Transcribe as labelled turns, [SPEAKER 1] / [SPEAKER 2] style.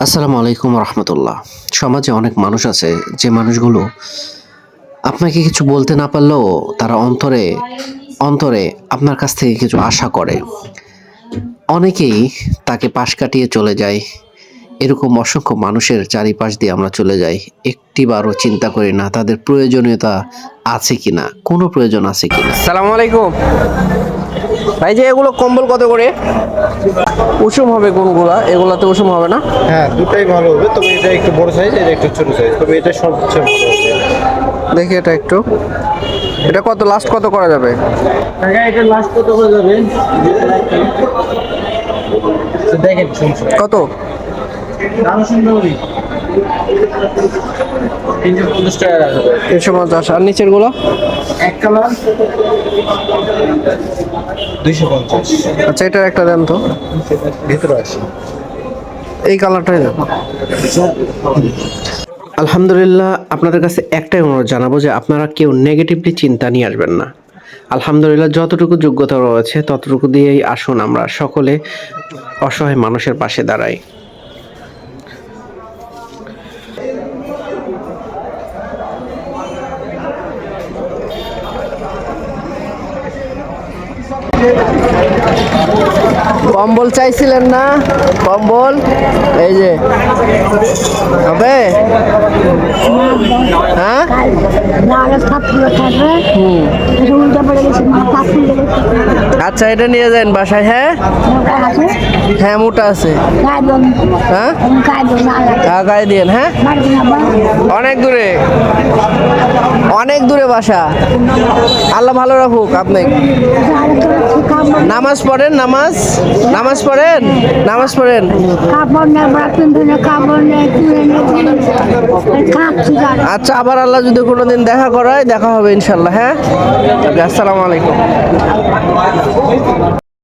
[SPEAKER 1] আসসালামু আলাইকুম রহমতুল্লাহ। সমাজে অনেক মানুষ আছে যে মানুষগুলো আপনাকে কিছু বলতে না পারলেও তারা অন্তরে অন্তরে আপনার কাছ থেকে কিছু আশা করে। অনেকেই তাকে পাশ কাটিয়ে চলে যায়। এরকম অসংখ্য মানুষের চারিপাশ দিয়ে আমরা চলে যাই। একটিবারও চিন্তা করি না তাদের প্রয়োজনীয়তা আছে কিনা, কোনো প্রয়োজন আছে কিনা।
[SPEAKER 2] সালামু আলাইকুম ভাই, যে এগুলো কম্বল কত করে? উষুম হবে কোনগুলা? এগুলাতে উষুম হবে না?
[SPEAKER 3] হ্যাঁ, দুটাই ভালো হবে, তবে এটা একটু বড় সাইজ, এটা একটু ছোট সাইজ, তবে এটা সবচেয়ে ভালো হবে।
[SPEAKER 2] দেখি এটা একটু, এটা কত লাস্ট কত করা যাবে?
[SPEAKER 3] টাকা এটা লাস্ট কত করে যাবে দেখেন, সমস্যা
[SPEAKER 2] কত?
[SPEAKER 3] দাম সুন্দরী 350 টাকা রাখবে।
[SPEAKER 2] 350। আর নিচের গুলো?
[SPEAKER 3] এক কালার 250।
[SPEAKER 2] আচ্ছা, এটার একটা দেন তো,
[SPEAKER 3] ভিতরে আসে
[SPEAKER 2] এই কালারটাই দেন।
[SPEAKER 1] আলহামদুলিল্লাহ, আপনাদের কাছে একটাই অনুরোধ জানাবো যে আপনারা কেউ নেগেটিভলি চিন্তা নিয়ে আসবেন না। আলহামদুলিল্লাহ, যতটুকু যোগ্যতা রয়েছে ততটুকু দিয়েই আসুন আমরা সকলে অসহায় মানুষের পাশে দাঁড়াই।
[SPEAKER 2] কম্বল চাইছিলেন না? কম্বল এই যে হবে। হ্যাঁ, আচ্ছা, এটা নিয়ে যান বাসায়। হ্যাঁ হ্যাঁ, মোটা আছে। হ্যাঁ গায়ে দিয়েন। হ্যাঁ, অনেক দূরে, অনেক দূরে বাসা। আল্লাহ ভালো রাখুক আপনি। নামাজ পড়েন, নামাজ পড়েন, নামাজ পড়েন। আচ্ছা, আবার আল্লাহ যদি কোনোদিন দেখা করায় দেখা হবে ইনশাল্লাহ। হ্যাঁ, আসসালামু আলাইকুম।